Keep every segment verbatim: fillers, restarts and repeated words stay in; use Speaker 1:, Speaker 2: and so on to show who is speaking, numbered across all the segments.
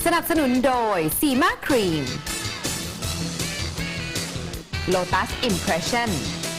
Speaker 1: นับสนุนโดยซีมาครีม Lotus Impression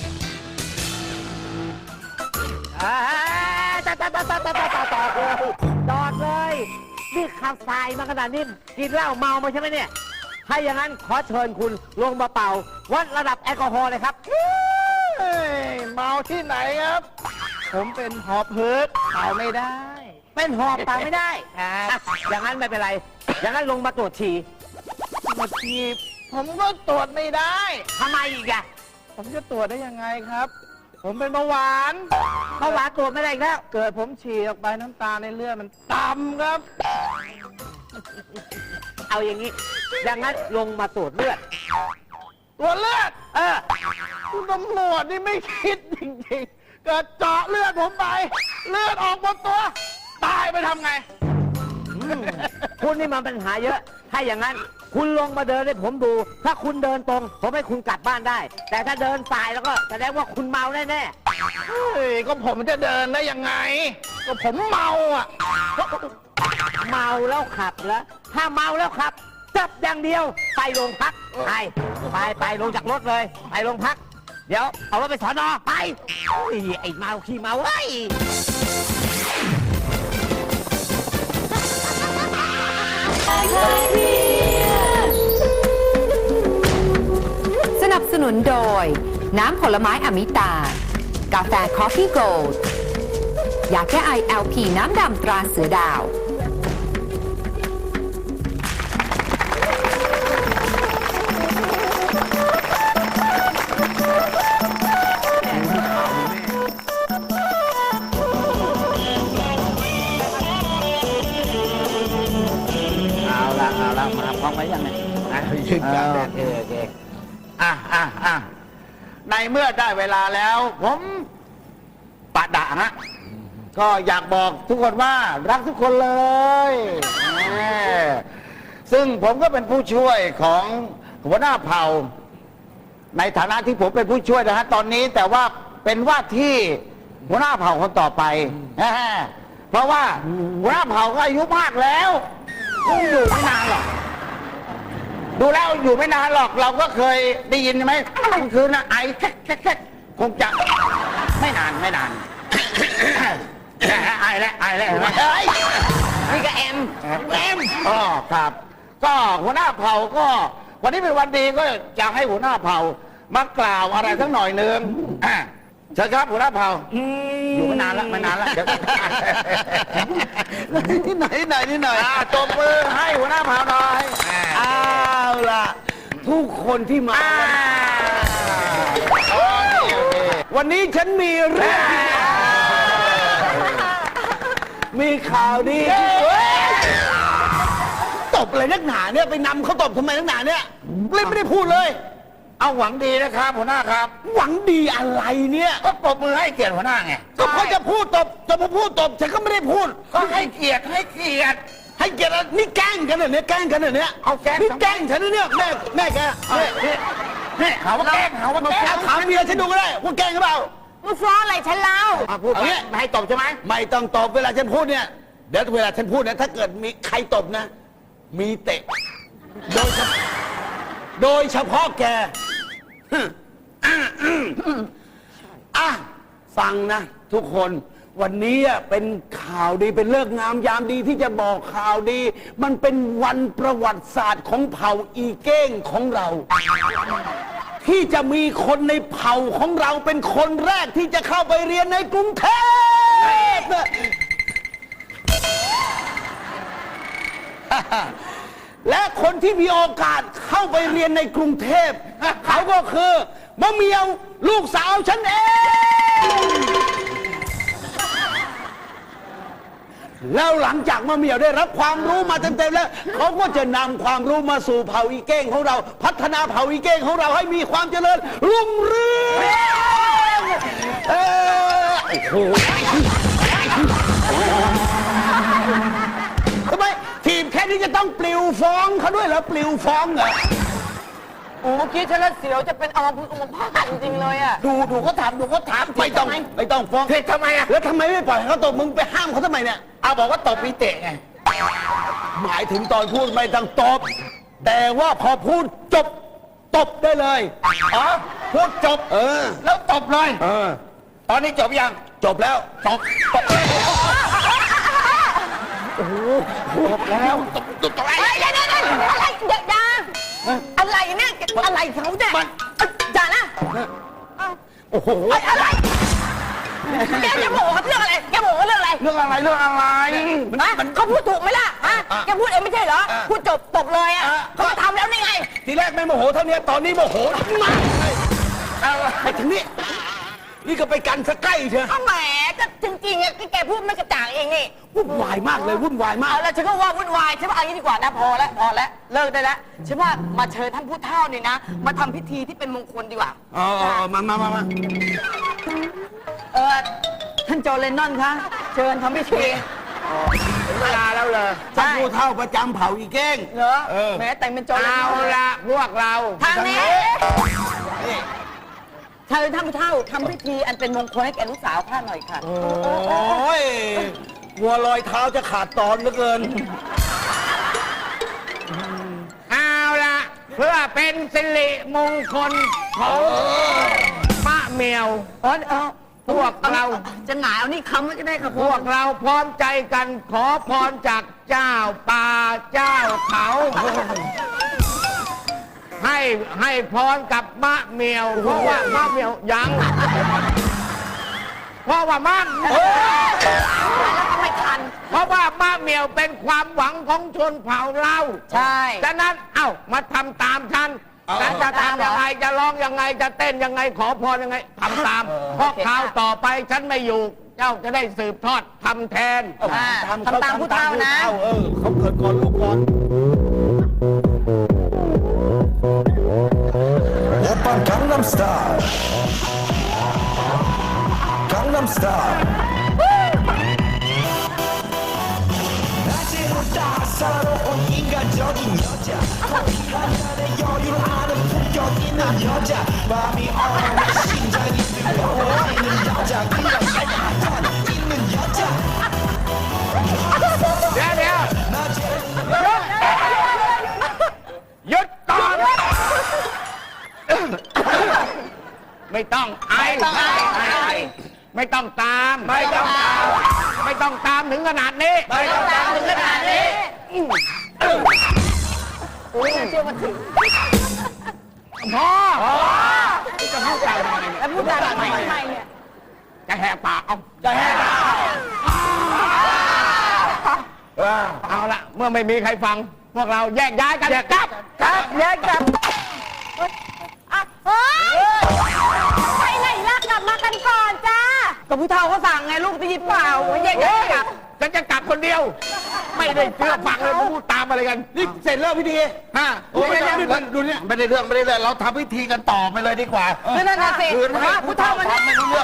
Speaker 2: จอดจอดจอดจอดจอดจอดจอดเลยจอดเลยนี่ขับสายมาขนาดนี้กินเหล้าเมามาใช่ไหมเนี่ยถ้าอย่างนั้นขอเชิญคุณลงมาเป่าวัดระดับแอลกอฮอล์เลยครับเมาที่ไหนครับผมเป็นหอบหืดเป่าไม่ได้เป็นหอบเป่าไม่ได้ครับอย่างนั้นไม่เป็นไรอย่างนั้นลงมาตรวจฉี่ตรวจฉี่ผมก็ตรวจไม่ได้ทำไมอีกอะผมจะตรวจได้ยังไงครับ ผมเป็นเบาหวานเบาหวานตรวจไม่ได้อีกแล้วเกิดผมฉี่ออกไปน้ำตาในเลือดมันต่ำครับ เอาอย่างนี้อย่างนั้นลงมาตรวจเลือดตรวจเลือดเออคุณตำรวจนี่ไม่คิดจริงๆเกิดเจาะเลือดผมไปเลือดออกหมดตัวตายไปทำไงคุณนี่มันปัญหาเยอะถ้าอย่างนั้นคุณลงมาเดินให้ผมดูถ้าคุณเดินตรงผมให้คุณกลับบ้านได้ แต่ถ้าเดินสายแล้วก็แสดงว่าคุณเมาแน่ๆเฮ้ยก็ผมจะเดินได้ยังไงก็ผมเมาอ่ะเมาแล้วขับแล้วถ้าเมาแล้วขับจับอย่างเดียวไปโรงพักไปไปไปลงจากรถเลยไปโรงพักเดี๋ยวเอารถไปสอนอไปไอ้เมาขี้เมาเฮ้ย
Speaker 1: สนับสนุนโดยน้ำผลไม้อมิตา กาแฟคอฟฟี่โกลด์ยาแก้ไอ แอล พี น้ำดำตราเสือดาว
Speaker 2: เอาละเอาละมาพร้อมไหมยังไงอ่ะยืนกันโอเคโอเคอ่ะอ่ะอ่ะในเมื่อได้เวลาแล้ว ผมปะดะฮะก็อยากบอกทุกคนว่ารักทุกคนเลยแหมซึ่งผมก็เป็นผู้ช่วยของหัวหน้าเผ่า ในฐานะที่ผมเป็นผู้ช่วยนะฮะตอนนี้แต่ว่าเป็นว่าที่หัวหน้าเผ่าคนต่อไปแหมเพราะว่าหัวหน้าเผ่าก็อายุมากแล้วคงอยู่ไม่นานหรอกดูแล้วอยู่ไม่นานหรอกเราก็เคยได้ยินไหมกลางคืนนะไอแค่แค่แค่คงจะไม่นานไม่นาน ไอแล้วไอแล้วเฮ้ยนี่ก็แอมแอมอ๋อครับก็หัวหน้าเผ่าก็วันนี้เป็นวันดีก็อยากให้หัวหน้าเผ่ามากล่าวอะไรสักหน่อยหนึ่งเชิญครับหัวหน้าเผ่าอยู่ไม่นานแล้วไม่นานแล้วเดี๋ยวนิดหน่อยนิดหน่อยนิดหน่อยตบมือให้หัวหน้าเผ่าหน่อยเอาล่ะทุกคนที่มาวันนี้ฉันมีเรื่องมีข่าวดีตบอะไรนักหนาเนี่ยไปนำเขาตบทำไมนักหนาเนี่ยเล่นไม่ได้พูดเลยเอาหวังดีนะครับหัวหน้าครับหวังดีอะไรเนี่ยก็ตบมือให้เกียรติหัวหน้าไงก็พอจะพูดตบจะมาพูดตบฉันก็ไม่ได้พูดก็ให้เกียรติให้เกียรติให้เกียรตินี่แกล้งกันเหรอเนี่ยแกล้งกันเหรอเนี่ยเอาแกล้งนี่แกล้งฉันเนี่ยแม่แม่แกนี่หาว่าแกล้งหาว่าแกล้งถามเมียฉันดูก็ได้ว่าแกล้งหรือเปล่า
Speaker 3: มึงฟ้องอะไรฉันเล่า
Speaker 2: พูดเอางี้ไม่ให้ตบใช่ไหมไม่ต้องตบเวลาฉันพูดเนี่ยเดี๋ยวเวลาฉันพูดเนี่ยถ้าเกิดมีใครตบนะมีเตะโดยเฉพาะโดยเฉพาะแกอ่ะฟังนะทุกคนวันนี้เป็นข่าวดีเป็นเลิกงามยามดีที่จะบอกข่าวดีมันเป็นวันประวัติศาสตร์ของเผ่าอีเก้งของเรา ที่จะมีคนในเผ่าของเราเป็นคนแรกที่จะเข้าไปเรียนในกรุงเทพและคนที่มีโอกาสเข้าไปเรียนในกรุงเทพเขาก็คือมะเมียวลูกสาวฉันเองแล้วหลังจากมะเมียวได้รับความรู้มาเต็มๆแล้วเขาก็จะนำความรู้มาสู่เผ่าอีเก้งของเราพัฒนาเผ่าอีเก้งของเราให้มีความเจริญรุ่งเรืองเออโอ้โหทำไมทีมแค่นี้จะต้องปลิวฟ้องเขาด้วยเหรอปลิวฟ้องเหรอ
Speaker 3: โอ้เมื่อกี้ฉันละเสียวจะเป็นอมพึกษ์อมพาตจริงๆเลยอ่ะ
Speaker 2: ดูดูเขาถามดูเขาถามไม่ต้องไม่ต้องฟ้องเฮ้ยทำไมอ่ะแล้วทำไมไม่ปล่อยเขาตบมึงไปห้ามเขาทำไมเนี่ยเอาบอกว่าตบมีเตะไง
Speaker 4: หมายถึงตอนพูดไม่ต้องตบ แต่ว่าพอพูดจบตบได้เลย
Speaker 2: อ๋อพูดจบ
Speaker 4: เออ
Speaker 2: แล้วตบเลย
Speaker 4: เออ
Speaker 2: ตอนนี้จบยัง
Speaker 4: จบแล้ว
Speaker 2: จบตบจบแล้วตบตบตบไอ้
Speaker 3: เฮ้ยเดี๋ยวเดี๋ยวเดี๋ยวอะไรเดี๋ยวอย่าอะไรเนี่ยอะไรเขาเนี่ยอย่านะ
Speaker 4: โอ้โห
Speaker 3: เอ้ยอะไรแกจะโมโหเขาเรื่องอะไรแกโมโหเขาเรื่องอะไร
Speaker 2: เรื่องอะไรเรื่องอะไร
Speaker 3: ฮะเขาพูดถูกไหมล่ะฮะแกพูดเองไม่ใช่เหรอพูดจบตบเลยอ่ะเขามาทำแล้วนี่ไง
Speaker 4: ทีแรกไม่โมโหเท่านี้ตอนนี้โมโหมากเลยไปถึงนี่นี่ก็ไปกันซะใกล้เชียว
Speaker 3: เอาแหมก็จริงๆอ่ะแกพูดไม่กระจ่างเองนี่
Speaker 4: วุ่นวายมากเลยวุ่นวายมาก
Speaker 3: เอาแล้วฉันก็ว่าวุ่นวายใช่ป่ะเอางี้ดีกว่านะพอแล้วพอแล้วเลิกได้แล้วฉันว่ามาเชิญท่านผู้เฒ่านี่นะ มาทำพิธีที่เป็นมงคลดีกว่า
Speaker 4: อ๋อมามามามา
Speaker 3: เออท่านโจเลนนอนคะเชิญทำพิธี
Speaker 2: เวลาแล้วเลย
Speaker 4: ท่านผู้เฒ่าประจำเผ่าอีเก้ง
Speaker 3: เหรอ
Speaker 4: เออ
Speaker 3: แหม้แต่งเป็นโจเลน
Speaker 2: เอา
Speaker 3: นอน
Speaker 2: ละพวกเรา
Speaker 3: ทางนี้เชิญท่านผู้เฒ่าทำพิธีอันเป็นมงคลให้แก่ลูกสาวข้าหน่อยค่ะ
Speaker 4: โอ้ยหัวลอยเท้าจะขาดตอนเหลือเกิน
Speaker 2: เอาละเพื่อเป็นสิริมงคลของมะเมียว
Speaker 3: เออเออ
Speaker 2: พวกเรา
Speaker 3: จะหงายเอานี่คำไว้ก็ได้ครับ
Speaker 2: พวกเราพร้อมใจกันขอพรจากเจ้าป่าเจ้าเขา ให้ให้พรกับมะเมียว เพราะว่ามะเมียวยังเพราะว่ามะ
Speaker 3: แล้วก็ไม่ทัน
Speaker 2: เพราะว่ามะเมียวเป็นความหวังของชนเผ่าเรา
Speaker 3: ใช่
Speaker 2: ดังนั้นเอ้ามาทำตามฉัน
Speaker 4: เอา
Speaker 2: ฉันจะทำยังไงจะร้องยังไงจะเต้นยังไงขอพรยังไงทำตาม เพราะคราวต่อไปฉันไม่อยู่ เจ้าจะได้สืบทอดทำแทน
Speaker 3: อ่าทำตามผู้เฒ่านะ
Speaker 4: เออเขาเกิดก่อนลูกก่อน
Speaker 5: 오빤 강남스타일 강남스타일 낮에보다 사로운 인간적인 여자 한잔의 여유를 아는 품격 있는 여자 마음이 어려워 심장이 뜨거워지는 여자 그런 살짝 있는 여자
Speaker 2: เดี๋ยวเดี๋ยวหยุดก่อนไม่ต้องไอไม่ต้องตาม ไม่ต้องตาม ไม่ต้องตามถึงขนาดนี้
Speaker 3: ไม่ต้องตามถึงขนาดนี้โอ้ยเชื่อมาถึง
Speaker 2: พ่อจะพูดอะไรทำไมเนี่ย
Speaker 3: แล้วพูดจาทำไมเนี่ย
Speaker 2: จะแหกปากเอา
Speaker 4: จะแห้ง
Speaker 2: เอาละเมื่อไม่มีใครฟัง พวกเราแยกย้ายกันกลับ
Speaker 3: ครับแยกกลับอ่ะเฮ้ยไปไหนล่ะกลับมากันก่อนจ้ากับผู้เฒ่าเขาสั่งไงลูกได้ยินเปล่าแยกย้ายกลับ
Speaker 2: ฉันจะกลับคนเดียว ไม่ได้เชื่อฟังเลยมาพูดตามอะไรกัน
Speaker 4: นี่เสร็จแล้วพิธี
Speaker 2: ฮะ
Speaker 4: โอ้ยดูนี่ดูนี่
Speaker 2: ไม่ได้เรื่องไม่ได้เรื่องเราทำพิธีกันต่อไปเลยดีกว่า
Speaker 3: นั่นน่ะสิ
Speaker 2: คืนให้
Speaker 3: ผู้เฒ่ามัน
Speaker 2: ไม่รู้เรื่อง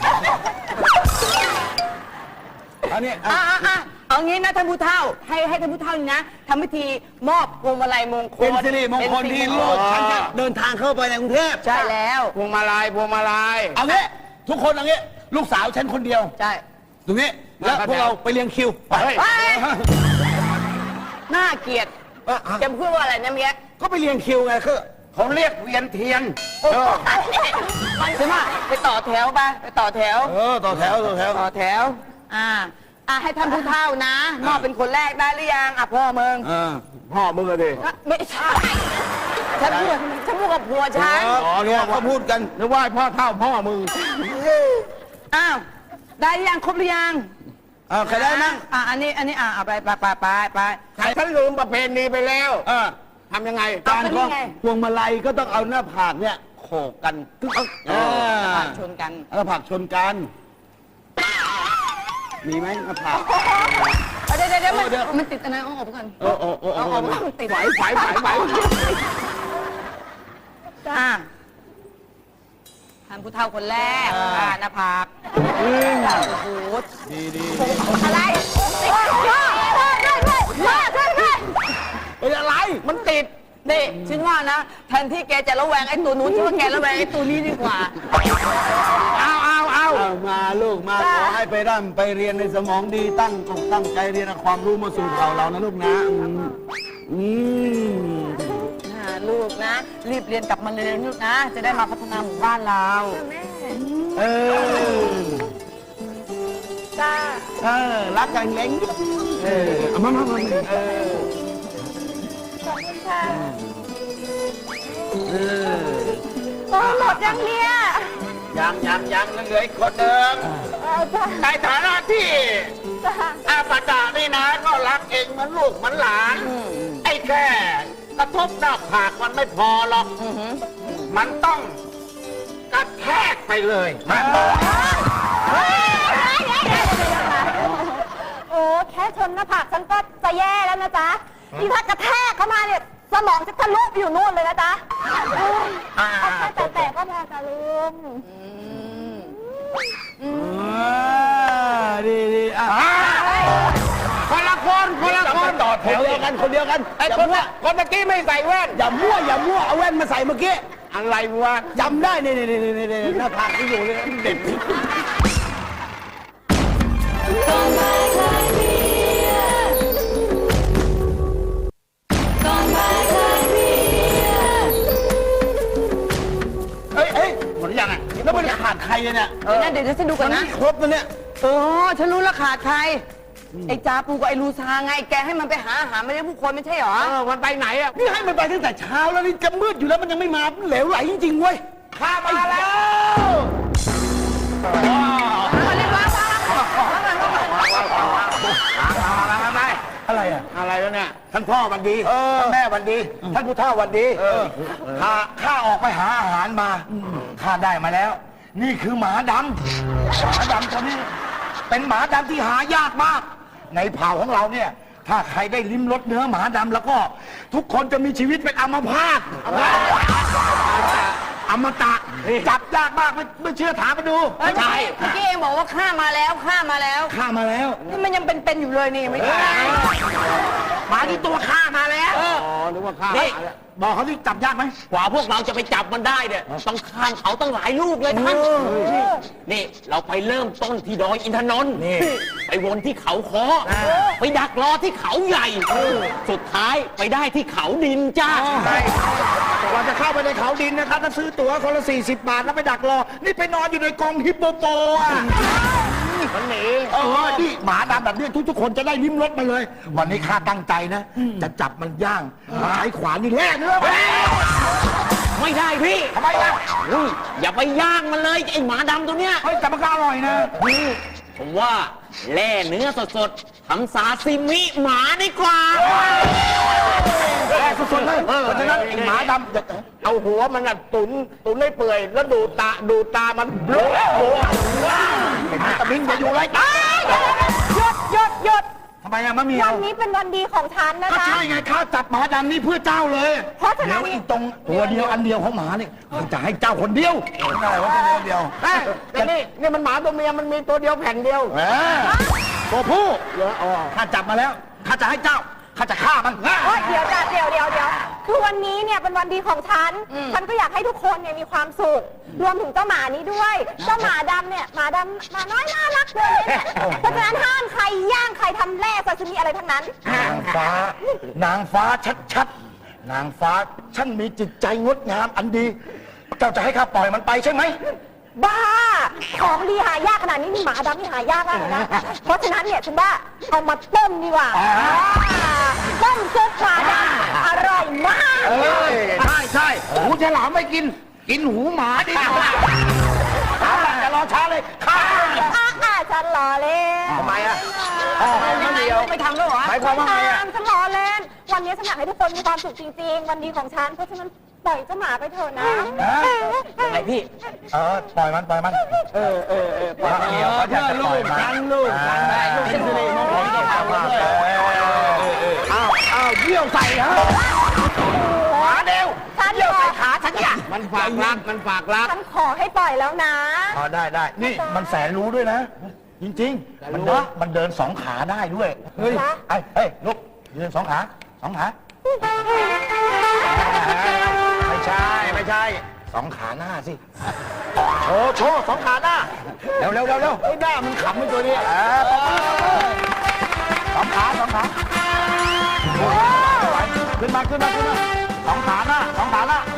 Speaker 4: อันนี้
Speaker 3: อ่ะอ่ะอ่ะเอางี้นะท่านผู้เฒ่าให้ให้ท่านผู้เฒ่านี่นะทำพิธีมอบพวงมาลัยมงคล
Speaker 4: เป็นสิริมงคลที่ลูกฉันจะเดินทางเข้าไปในกรุงเทพ
Speaker 3: ใช่แล้ว
Speaker 2: พวงมาลัยพวงมาลัย
Speaker 4: เอางี้ทุกคนเอางี้ลูกสาวฉันคนเดียว
Speaker 3: ใช่
Speaker 4: ตรงนี้แล้วพวกเราไปเรียงคิวไป
Speaker 2: เฮ้ย
Speaker 3: เฮ้ยน่าเกลียดจะพูดว่าอะไรนะเมีย
Speaker 4: ก็ไปเรียงคิวไงคือ
Speaker 2: เขาเรียกเวียนเทียน
Speaker 3: ใช่ไหมไปต่อแถวไปไปต่อแถว
Speaker 4: เออต่อแถวต่อแถว
Speaker 3: ต่อแถว อ่า อ่าให้ท่านผู้เฒ่านะ มอบเป็นคนแรกได้หรือยัง อ่ะพ่อมึง
Speaker 4: เออ
Speaker 2: พ่อมึงอะดิ
Speaker 3: อ่ะไม่ใช่ ฉันพูดฉันพูดกับผัวฉัน
Speaker 4: อ๋อเนี่ยเขาพูดกัน
Speaker 2: นึกว่าพ่อเท่าพ่อมึง
Speaker 3: อ้าว ได้หรือยังครบหรือยัง
Speaker 4: เออใครได้มั่ง
Speaker 3: อ่ะอันนี้ อันนี้ อ่ะเอาไปไปไปไปไป
Speaker 2: ใครฉันลืมประเพณีไปแล้ว
Speaker 4: เออ
Speaker 2: ทำยังไง
Speaker 3: เอา
Speaker 4: การ
Speaker 3: ไป
Speaker 4: ก็
Speaker 3: นี่ไง
Speaker 4: พวงมาลัยก็ต้องเอาหน้าผากเนี่ยโขกกันตึ๊กเออ
Speaker 3: อ่ะชนกัน
Speaker 4: หน้าผากชนกัน มีไหมหน้าผาก
Speaker 3: เดี๋ยวเดี๋ยวเดี๋ยวมัน
Speaker 4: เดี๋ยว
Speaker 3: มันติดอันนั้นเอาออกไปก่อน
Speaker 4: เออเออเออ
Speaker 3: เอา
Speaker 4: เอ
Speaker 3: ออก
Speaker 4: อ
Speaker 3: ไปก่อนมันติด
Speaker 2: ไหวไหวไหวไหว
Speaker 3: จ้าท่านผู้เฒ่าคนแรก อ่าหน้าผากโอ้โห
Speaker 4: ดีดี
Speaker 3: อะไรติดพ่อพ่อช่วยด้วยพ่อช่วยด้วย
Speaker 4: เป็นอะไร
Speaker 3: มันติด นี่ฉันว่านะ แทนที่แกจะระแวงไอ้ตัวนู้นฉันว่าแกระแวงไอ้ตัวนี้ดีกว่า
Speaker 2: เอาเอาเอา
Speaker 4: เอามาลูกมาขอให้ไปร่ำไปเรียนในสมองดีตั้งอกตั้งใจเรียนเอาความรู้มาสู่เราเรานะลูกนะอืมอืม
Speaker 3: อ่าลูกนะ รีบเรียนกลับมาเรียนลูกนะ จะได้มาพัฒนาหมู่บ้านเรา
Speaker 4: เออ
Speaker 3: จ้า
Speaker 4: เออรักกันเล้งเออเอามามามาเออ
Speaker 3: ขอบคุณค่ะ
Speaker 4: เออ
Speaker 3: โอ้หมดยังเนี่ย
Speaker 2: ยังยังยังเหลืออีกคนหนึ่ง
Speaker 3: เอาจ้า
Speaker 2: ในฐานะที่
Speaker 3: จ้า
Speaker 2: อาปาดานี่นะก็รักเองเหมือนลูกเหมือนหลาน ไอ้แค่กระทบหน้าผากมันไม่พอหรอก มันต้องกระแทกไปเลยมา
Speaker 3: โอ้แค่ชนหน้าผากฉันก็จะแย่แล้วนะจ๊ะนี่ถ้ากระแทกเข้ามาเนี่ยสมองจะทะลุไปอยู่นู่นเลยนะจ๊ะ
Speaker 2: อ่า
Speaker 3: เอาแค่แต่ๆก็พอจ้ะลุง
Speaker 4: อ่าดีดีอ่ะ
Speaker 2: คนละคนคนละคน
Speaker 4: ต่อแถวเดียวกันคนเดียวกัน
Speaker 2: ไอ้
Speaker 4: อย่า
Speaker 2: คน
Speaker 4: มั่ว
Speaker 2: ละคนเมื่อกี้ไม่ใส่แว่น
Speaker 4: อย่ามั่วอย่ามั่วเอาแว่นมาใส่เมื่อกี้
Speaker 2: อะไรวะ
Speaker 4: จำได้นี่นี่นี่นี่นี่หน้าผากที่อยู่เลยเด็ก
Speaker 2: เฮ้ยเฮ้ยหมดหรือยังอ่ะ
Speaker 4: แล้วมันขาดใครเนี่ย
Speaker 3: เดี๋ยวนะเดี๋ยวฉันดูก่อน
Speaker 4: มัน
Speaker 3: นะ
Speaker 4: ไม่ครบนะเนี่ย
Speaker 3: โอ้ฉันรู้และขาดใคร ไอ้จ้าปูกับไอ้ลูซาไง แกให้มันไปหาอาหารไม่ได้ผู้คนไม่ใช่เหรอ
Speaker 2: เออมันไปไหนอ่ะ
Speaker 4: นี่ให้มันไปตั้งแต่เช้าแล้วนี่จะมืดอยู่แล้วมันยังไม่มาเหลวไหลจริงๆเว้ย
Speaker 2: ข้ามาแล้ว
Speaker 4: อะไรอ่ะ
Speaker 2: อะไรแล้วเนี่ย
Speaker 4: ท่านพ่อวันดีท่านแม่วันดี ท่านผู้เฒ่าวันดีข้าข้าออกไปหาอาหารมาข้าได้มาแล้ว นี่คือหมาดำหมาดำตัวนี้ เป็นหมาดำที่หายากมาก ในเผ่าของเราเนี่ย ถ้าใครได้ลิ้มรสเนื้อหมาดำแล้วก็ ทุกคนจะมีชีวิตเป็นอัมพาตอมตะจับยากมากไม่ไม่เชื่อถามมาดู
Speaker 3: เมื่อกี้เองบอกว่าข้ามาแล้วข้ามาแล้ว
Speaker 4: ข้ามาแล้ว
Speaker 3: นี่มันยังเป็นๆอยู่เลยนี่ไม่ใช่
Speaker 4: หมาที่ตัวข้ามาแล้ว
Speaker 2: อ๋อนึกว่าข้า
Speaker 4: นี่บอกเขาที่จับยากไหม
Speaker 6: กว่าพวกเราจะไปจับมันได้เนี่ยต้องข้ามเขาตั้งหลายลูกเลยท่านนี่เราไปเริ่มต้นที่ดอยอินทนนท์ไปวนที่เขาคอไปดักรอที่เขาใหญ่ สุดท้ายไปได้ที่เขาดินจ้า
Speaker 4: ใช่ก่อนจะเข้าไปในเขาดินนะครับต้องซื้อตั๋วคนละสี่สิบบาทแล้วไปดักรอ นี่ไปนอนอยู่ในกรงฮิปโปโปอ่ะ
Speaker 2: มันหนี
Speaker 4: เออนี่หมาดำแบบนี้ทุกๆคนจะได้ลิ้มรสมาเลย วันนี้ข้าตั้งใจนะ จะจับมันย่างมาใช้ขวานนี่แล่เนื้อ
Speaker 6: ไม่ได้พี่
Speaker 4: ทำไมล่ะ
Speaker 6: อุ้ยอย่าไปย่างมันเลยไอหมาดำตัวเนี้ย
Speaker 4: เฮ้ยแต่มันก็อร่อยนะ
Speaker 6: ผมว่าแล่เนื้อสดๆทำซาซิมิหมาดีกว่า
Speaker 4: แล่สดๆเลยเพราะฉะนั้นไอ้หมาดำจะ
Speaker 2: เอาหัวมันน่ะตุนตุนให้เปื่อยแล้วดูตาดูตามันโบะโบะ
Speaker 4: เห็นไหมตะมิงอย่าอยู่ไรตาย
Speaker 3: หยุดหยุดหยุด
Speaker 4: ทำไมอะมะเมีย
Speaker 3: วั
Speaker 4: วน
Speaker 3: นี้เป็นวันดีของฉันนะ
Speaker 4: ก็
Speaker 3: จ๊ะ
Speaker 4: ใช่ไงข้าจับหมาดำนี่เพื่อเจ้าเลย
Speaker 3: เพราะฉะนั้น
Speaker 4: เดี๋ยวอีกตรงตัวเดียวอันเดียวของหมาเนี่ยมันจะให้เจ้าคนเดียวอะไรวะตัวเดียวเดียว
Speaker 2: เอ้ยแต่นี่นี่มันหมาตัวเมียมันมีตัวเดียวแผ่นเดียว
Speaker 4: เออตัวผู้ข้าจับมาแล้วข้าจะให้เจ้าข้าจะฆ่ามัน
Speaker 3: โอ๊ยเดี๋ยวจ้ะเดี๋ยวเดี๋ยวเดี๋ยวคือวันนี้เนี่ยเป็นวันดีของฉัน ฉันก็อยากให้ทุกคนเนี่ยมีความสุข รวมถึงเจ้าหมานี้ด้วย เจ้าหมาดำเนี่ยหมาดำหมาน้อยน่ารักเลยเนี่ยเพราะฉะนั้นห้ามใครย่างใครทำแร่ซาซิมิอะไรทั้งนั้น
Speaker 4: นางฟ้านางฟ้าชัดๆนางฟ้าช่างมีจิตใจงดงามอันดี เจ้าจะให้ข้าปล่อยมันไปใช่ไหม
Speaker 3: บ้า ของดีหายากขนาดนี้มีหมาดำที่หายากมากเลยนะ เพราะฉะนั้นเนี่ยฉันว่าเอามาต้มดีกว่าต้มซุปหมาดำอร่อยมาก
Speaker 4: เอ้ยใช่ใช่หูฉลามไม่กิน กินหูหมาดีกว่าเอาล่ะอย่ารอช้าเลยฆ่า
Speaker 3: อ่ะอ่ะฉันรอเล่น
Speaker 4: ทำไมอ่ะอ๋อไม่เดียว
Speaker 3: ไม่ทำแล้วเหรอ
Speaker 4: หมายความว่าไงอ่ะ
Speaker 3: ฉันรอเล่น วันนี้ฉันอยากให้ทุกคนมีความสุขจริง ๆ วันดีของฉัน เพราะฉะนั้นปล่อยเจ้าหมาไปเถอะนะ
Speaker 6: ยังไงพี่
Speaker 4: เออปล่อยมันปล่อยมันเออเออเออปล่อยเดียวเขาอยากจะปล่อยมัน
Speaker 2: ลูกกันได้ลูกเป็นสิริมงคลแก่เราด้วย
Speaker 4: อ้าวอ้าวเยี่ยวใส่ฮะหมาเดียว
Speaker 3: ฉัน
Speaker 4: เยี่ยว
Speaker 3: ขอ
Speaker 4: ใส่ขาฉันเนี่ย
Speaker 2: มันฝากรักมันฝากรัก
Speaker 3: ฉันขอให้ปล่อยแล้วนะ
Speaker 4: อ๋อได้ได้นี่มันแสนรู้ด้วยนะ จริงๆ มันเดินมันเดินสองขาได้ด้วย เฮ้ย
Speaker 3: ฮะ
Speaker 4: ไอ้เฮ้ยลุกยืนสองขาสองขาไม่ใช่ไม่ใช่สองขาหน้าสิโชว์โชว์สองขาหน้าเร็วเร็วเร็วเร็วไอ้หน้ามันขำไอ้ตัวนี้อ่าสองขาสองขาขึ้นมาขึ้นมาขึ้นมาสองขาหน้าสองขาหน้า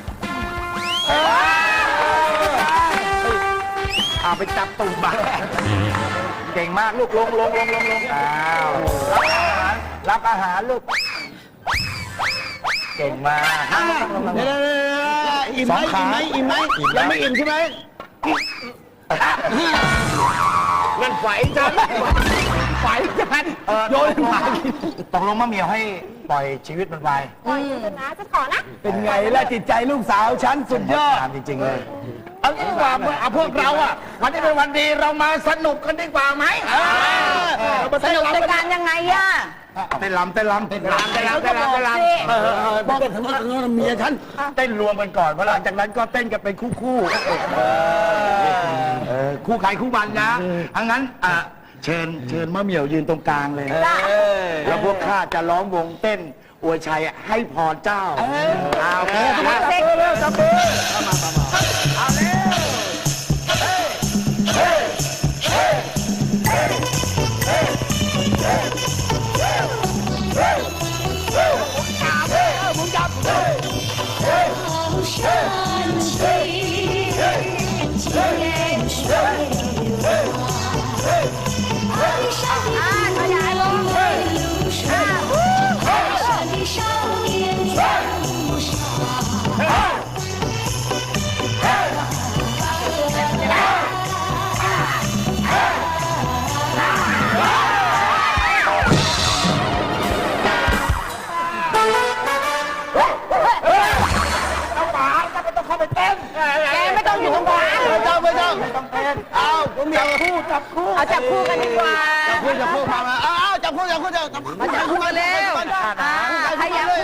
Speaker 4: เอาไปจับตุ่มบ้าเก่งมากลูกลงลงลงลงลงอ้าวรับอาหารรับอาหารลูกเก่งมากอิ่มไหมอิ่มไหมอิ่มไหมยังไม่อิ่มใช่ไหมนั่นไฟจันไฟจันโยนหมาตกลงมะเหมียวให้ปล่อยชีวิตมันไป
Speaker 3: ปล่อยฉันนะจะขอนะ
Speaker 4: เป็นไงล่ะจิตใจลูกสาวฉันสุดยอดจริงๆเลยเอางี้ดีกว่าเอาพวกเราอ่ะวันนี้เป็นวันดีเรามาสนุกกันดีกว่าไหมสนุกในการยังไงอ่ะเต้นรำเต้นรำเต้นรำเต้นรำเต้นรำเต้นรำบอกกันถึงว่าเมียฉันเต้นรวมกันก่อนเพราะหลังจากนั้นก็เต้นกันเป็นคู่คู่คู่ใครคู่มันนะอังั้นเชิญเชิญมะเหมี่ยวยืนตรงกลางเลยแล้วพวกข้าจะล้อมวงเต้นอวยชัยให้พรเจ้าเอาโอเคจับมือเร็วจับมือมามามาเอาเร็วเฮ้ยเฮ้ยเฮ้ยเฮ้ยเฮ้ยเฮ้ยเฮ้ยเฮ้ยเฮ้ยผมจับเฮ้ยเฮ้ยเฮ้ยเฮ้ยเฮ้ยเฮ้ยเฮ้ยเฮ้ยเฮ้ย啊，大家来喽！啊，山的少年在路上。
Speaker 3: ไม่ต้องอยู่ตรงกลาง
Speaker 4: ไม่ต้องไม่ต้องไม่ต้องเป็นเอาผมอยากคู่จับคู่
Speaker 3: เอาจับคู่กันดีกว่า
Speaker 4: จับคู่จับคู่มามาเอาจับคู่จับคู่จับคู่มาจับคู่มาเร็วขยับ